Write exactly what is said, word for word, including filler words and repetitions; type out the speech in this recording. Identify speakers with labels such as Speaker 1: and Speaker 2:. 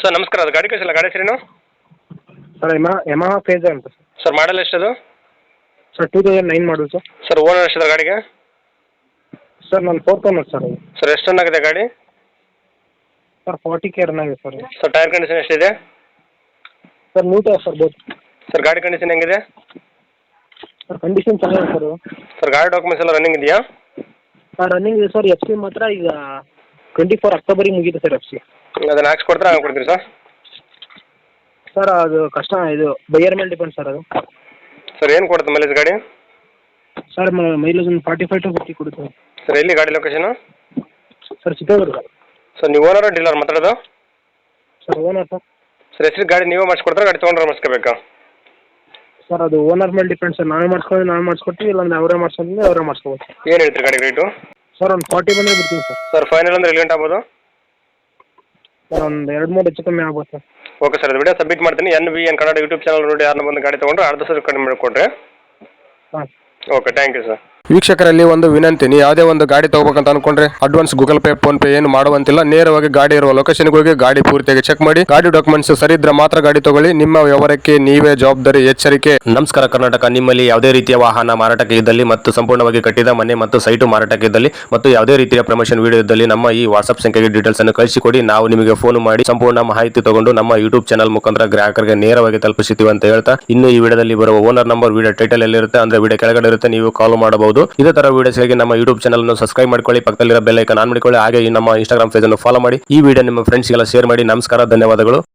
Speaker 1: Sir ನಮಸ್ಕಾರ, ಅದು ಗಾಡಿ ಕಳಿಸಿಲ್ಲ, ಗಾಡಿ ಹೆಸರೇನು?
Speaker 2: ಸರ್ ಯಮಾ ಯಮಹಾ ಫೇಜರ್ ಅಂತ ಸರ್.
Speaker 1: ಸರ್ ಮಾಡಲ್ ಎಷ್ಟದು?
Speaker 2: Sir two thousand nine model sir.
Speaker 1: Sir owner ಎಷ್ಟಿದೆ ಗಾಡಿಗೆ?
Speaker 2: ಸರ್ ನಾನು ಫೋರ್ತ್ ಓನರ್ ಸರ್ ಅದು.
Speaker 1: ಸರ್ ಎಷ್ಟು ರನ್ ಆಗಿದೆ ಗಾಡಿ?
Speaker 2: ಸರ್ ಫಾರ್ಟಿ ಕೆ ರನ್ ಆಗಿದೆ ಸರ್.
Speaker 1: ಸರ್ ಟೈರ್ ಕಂಡೀಷನ್ ಎಷ್ಟಿದೆ?
Speaker 2: Sir new tyre sir both.
Speaker 1: Sir ಗಾಡಿ ಕಂಡೀಷನ್ ಹೆಂಗಿದೆ?
Speaker 2: ಸರ್ ಕಂಡೀಷನ್ ಚೆನ್ನಾಗಿದೆ ಸರ್.
Speaker 1: ಸರ್ ಗಾಡಿ ಡಾಕ್ಯುಮೆಂಟ್ಸ್ ಎಲ್ಲ ರನ್ನಿಂಗ್ ಇದೆಯಾ?
Speaker 2: ಸರ್ ರನ್ನಿಂಗ್ ಇದೆ ಸರ್. ಎಫ್ ಸಿ ಮಾತ್ರ ಈಗ ಟ್ವೆಂಟಿ ಫೋರ್ ಅಕ್ಟೋಬರಿಗೆ ಮುಗಿದೆ ಸರ್ ಎಫ್ ಸಿ.
Speaker 1: ಅದನ್ನು ಹಾಕ್ಸಿ ಕೊಡ್ತೀರಾ, ಹಂಗೆ ಕೊಡ್ತೀರಿ ಸರ್?
Speaker 2: ಸರ್ ಅದು ಕಷ್ಟ, ಇದು ಬೈಯರ್ ಮೇಲೆ ಡಿಪೆಂಡ್ ಸರ್ ಅದು.
Speaker 1: ಸರ್ ಏನು ಕೊಡುತ್ತೆ ಮೈಲೇಜ್ ಗಾಡಿ?
Speaker 2: ಸರ್ ಮೈಲೇಜ್ ಒಂದು ಫಾರ್ಟಿ ಫೈವ್ ಟು ಫಿಫ್ಟಿ ಕೊಡುತ್ತೆ.
Speaker 1: ಸರ್ ಎಲ್ಲಿ ಗಾಡಿ ಲೊಕೇಶನು?
Speaker 2: ಸರ್ ಚಿತ್ರದುರ್ಗ.
Speaker 1: ಸರ್ ನೀವು ಓನರ್ ಡೀಲರ್ ಮಾತಾಡೋದು?
Speaker 2: Sir owner sir.
Speaker 1: ಸರ್ ಹೆಸರು ಗಾಡಿ ನೀವೇ ಮಾಡಿಸ್ಕೊಡ್ತಾರೆ, ಗಾಡಿ ತೊಗೊಂಡ್ರೆ ಮಾಡಿಸ್ಕೋಬೇಕಾ?
Speaker 2: ಸರ್ ಅದು ಓನರ್ ಮೇಲೆ ಡಿಪೆಂಡ್ ಸರ್. ನಾವೇ ಮಾಡಿಸ್ಕೊಂಡು ನಾವೇ ಮಾಡಿಸ್ಕೊಡ್ತೀವಿ, ಇಲ್ಲಾಂದ್ರೆ ಅವರೇ ಮಾಡಿಸ್ಕೊಂಡ್ರೆ ಅವರೇ ಮಾಡಿಸ್ಕೋಬೋದು.
Speaker 1: ಏನು ಹೇಳ್ತೀರಿ ಗಾಡಿ ರೇಟು?
Speaker 2: ಸರ್ ಒಂದು ಫಾರ್ಟಿ ಬಂದರೆ ಬಿಡ್ತೀವಿ ಸರ್.
Speaker 1: ಸರ್ ಫೈನಲ್ ಅಂದ್ರೆ ಎಲ್ಲಿ ಗಂಟೆ ಆಗ್ಬೋದು?
Speaker 2: ಸರ್ ಒಂದು ಎರಡು ಮೂರು ಹೆಚ್ಚು ಕಮ್ಮಿ ಆಗ್ಬೋದು ಸರ್.
Speaker 1: ಓಕೆ ಸರ್, ಅದು ವಿಡಿಯೋ ಸಬ್ಮಿಟ್ ಮಾಡ್ತೀನಿ. N V N Kannada YouTube channel ನೋಡಿ ಯಾರನ್ನ ಬಂದು ಗಾಡಿ ತೊಗೊಂಡ್ರೆ ಅರ್ಧ ಸರ್ ಕಡಿಮೆ ಮಾಡಿಕೊಡ್ರಿ.
Speaker 2: ಹಾಂ
Speaker 1: ಓಕೆ, ಥ್ಯಾಂಕ್ ಯು ಸರ್.
Speaker 3: ವೀಕ್ಷಕರಲ್ಲಿ ಒಂದು ವಿನಂತಿ, ನೀವು ಯಾವುದೇ ಒಂದು ಗಾಡಿ ತಗೋಬೇಕಂತ ಅನ್ಕೊಂಡ್ರೆ advance Google Pay PhonePe ಏನು ಮಾಡುವಂತಿಲ್ಲ. ನೇರವಾಗಿ ಗಾಡಿ ಇರುವ ಲೊಕೇಶನ್ಗೆ ಹೋಗಿ ಗಾಡಿ ಪೂರ್ತಿಯಾಗಿ ಚೆಕ್ ಮಾಡಿ, ಗಾಡಿ ಡಾಕ್ಯುಮೆಂಟ್ಸ್ ಸರಿ ಇದ್ರೆ ಮಾತ್ರ ಗಾಡಿ ತಗೊಳ್ಳಿ. ನಿಮ್ಮ ವ್ಯವಹಾರಕ್ಕೆ ನೀವೇ ಜವಾಬ್ದಾರಿ. ಎಚ್ಚರಿಕೆ.
Speaker 4: ನಮಸ್ಕಾರ ಕರ್ನಾಟಕ. ನಿಮ್ಮಲ್ಲಿ ಯಾವುದೇ ರೀತಿಯ ವಾಹನ ಮಾರಾಟಕ್ಕೆ ಇದ್ದಲ್ಲಿ ಮತ್ತು ಸಂಪೂರ್ಣವಾಗಿ ಕಟ್ಟಿದ ಮನೆ ಮತ್ತು ಸೈಟು ಮಾರಾಟಕ್ಕೆ ಇದ್ದಲ್ಲಿ ಮತ್ತು ಯಾವುದೇ ರೀತಿಯ ಪ್ರಮೋಷನ್ ವಿಡಿಯೋ ಇದ್ದಲ್ಲಿ ನಮ್ಮ ಈ ವಾಟ್ಸ್ಆಪ್ ಸಂಖ್ಯೆಗೆ ಡೀಟೇಲ್ಸ್ ಅನ್ನು ಕಳಿಸಿಕೊಡಿ. ನಾವು ನಿಮಗೆ ಫೋನ್ ಮಾಡಿ ಸಂಪೂರ್ಣ ಮಾಹಿತಿ ತಗೊಂಡು ನಮ್ಮ ಯೂಟ್ಯೂಬ್ ಚಾನಲ್ ಮುಖಾಂತರ ಗ್ರಾಹಕರಿಗೆ ನೇರವಾಗಿ ತಲುಪಿಸುತ್ತೀವಿ ಅಂತ ಹೇಳ್ತಾ, ಇನ್ನು ಈ ವಿಡಿಯೋದಲ್ಲಿ ಬರುವ ಓನರ್ ನಂಬರ್ ವಿಡಿಯೋ ಟೈಟಲ್ ಎಲ್ಲಿರುತ್ತೆ ಅಂದ್ರೆ ವಿಡಿಯೋ ಕೆಳಗಡೆ ಇರುತ್ತೆ, ನೀವು ಕಾಲ್ ಮಾಡಬಹುದು. ಇದೇ ತರ ವಿಡಿಯೋಸ್ಗಾಗಿ ನಮ್ಮ ಯೂಟ್ಯೂಬ್ ಚಾನಲ್ ಅನ್ನು ಸಬ್ಸ್ಕ್ರೈಬ್ ಮಾಡ್ಕೊಳ್ಳಿ, ಪಕ್ಕದಲ್ಲಿರೋ ಬೆಲ್ ಐಕಾನ್ ಆನ್ ಮಾಡಿಕೊಳ್ಳಿ. ಹಾಗೆ ಈ ನಮ್ಮ ಇನ್ಸ್ಟಾಗ್ರಾಮ್ ಪೇಜ್ ಅನ್ನು ಫಾಲೋ ಮಾಡಿ. ಈ ವಿಡಿಯೋ ನಿಮ್ಮ ಫ್ರೆಂಡ್ಸ್ಗೆಲ್ಲ ಶೇರ್ ಮಾಡಿ. ನಮಸ್ಕಾರ, ಧನ್ಯವಾದಗಳು.